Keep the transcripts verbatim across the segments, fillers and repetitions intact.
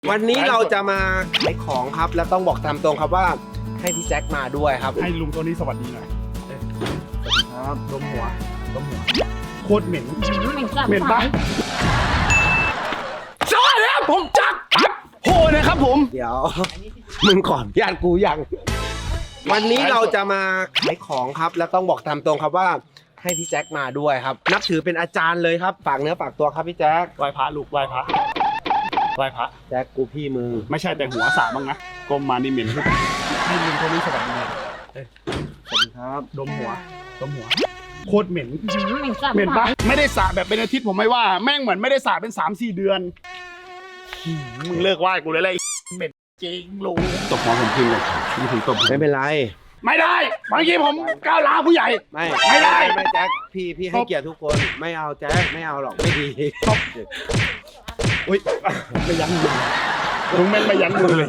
วันนี้เราจะมาขายของครับแล้วต้องบอกตามตรงครับว่าให้พี่แจ็คมาด้วยครับให้ลุงตัวนี้สวัสดีหน่อยสวัสดีครับดมหัวดมหัวโคตรเหม็นเหม็นปะสวัสดีครับผมแจ็คปั๊บโหนะครับผมเดี๋ยวมึงก่อนญาติกูยังวันนี้เราจะมาขายของครับแล้วต้องบอกตามตรงครับว่าให้พี่แจ็คมาด้วยครับนับถือเป็นอาจารย์เลยครับฝากเนื้อฝากตัวครับพี่แจ็คไหว้พระลูกไหว้พระไหว้พระแจ็คกูพี่มึงไม่ใช่แต่หัวสาบ้างนะกลมมานี่เหม็นให้ลุงตัวนี้สวัสดีหน่อยสวัสดีครับดมหัวดมหัวโคตรเหม็นเหม็นปะไม่ได้สระแบบเป็นอาทิตย์ผมไม่ว่าแม่งเหมือนไม่ได้สระเป็น สามสี่ เดือนมึงเลิกไหว้กูเลยเลยเหม็นจริงลุงตบหัวผมทิ้งเลยนี่ผมตบไม่เป็นไรไม่ได้บางทีผมก้าวร้าวผู้ใหญ่ไม่ไม่ได้ไม่แจ็คพี่พี่ให้เกียรติทุกคนไม่เอาแจ็คไม่เอาหรอกไม่ดีอุ้ยไม่ยั้งมือลุงแม่งไม่ยั้งมือเลย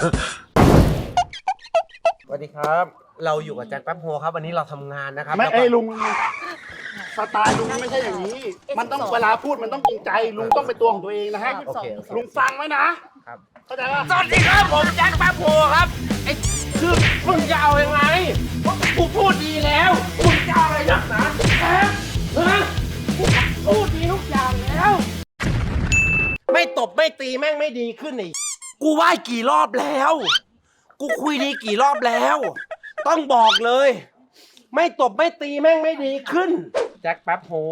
สวัสดีครับเราอยู่กับแจ็คแป๊บโฮครับวันนี้เราทำงานนะครับไม่ไอ้ลุงสไตล์ลุงไม่ใช่อย่างนี้มันต้องเวลาพูดมันต้องจริงใจลุงต้องเป็นตัวของตัวเองนะฮะลุงฟังไว้นะครับเข้าใจป่ะสวัสดีครับผมแจ็คแป๊บโฮครับไอ้คือมึงจะเอายังไงกูพูดดีแล้วมึงจะเอาอะไรนักหนาแอ๊ะฮะกูพูดดีทุกอย่างแล้วไม่ตบไม่ตีแม่งไม่ดีขึ้นไอ้กูไหว้กี่รอบแล้วกูคุยดีกี่รอบแล้วต้องบอกเลยไม่ตบไม่ตีแม่งไม่ดีขึ้นแจ็คแป๊บโฮ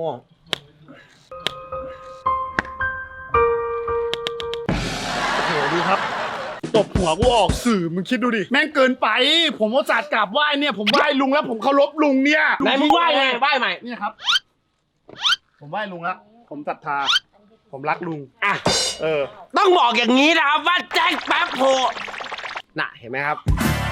โอ้โหดูครับตบหัวกูออกสื่อมึงคิดดูดิแม่งเกินไปผมว่าจัดกราบไหว้เนี่ยผมไหว้ลุงแล้วผมเคารพลุงเนี่ยไหนมึงไหว้ไงไหว้ใหม่นี่ครับผมไหว้ลุงแล้วผมศรัทธาผมรักลุงอ่ะเออต้องบอกอย่างนี้นะครับว่าแจ็คแป๊บโฮน่ะเห็นไหมครับ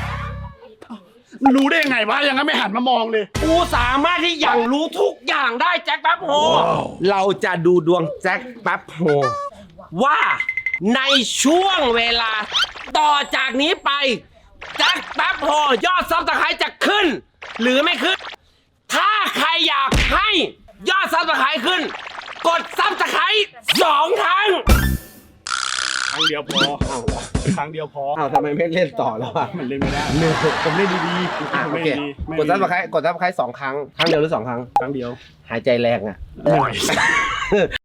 รู้ได้ยังไงวะยังงั้นไม่หันมามองเลยกูสามารถที่อย่างรู้ทุกอย่างได้แจ็คแป๊บโฮเราจะดูดวงแจ็คแป๊บโฮว่าในช่วงเวลาต่อจากนี้ไปแจ็คแป๊บโฮยอดซับสไครต์จะขึ้นหรือไม่ขึ้นถ้าใครอยากให้ยอดซับสไครต์ขึ้นกดซับสไครต์สองครั้งครั้งเดียวพอครั้งเดียวพออ้าวทำไมไม่เล่นต่อแล้วอ่ะมันเล่นไม่ได้ผมเล่นดีๆอ่ะโอเคกดซับสไครต์กดซับสไครต์สองครั้งครั้งเดียวหรือสองครั้งครั้งเดียวหายใจแรงอ่ะหน่อย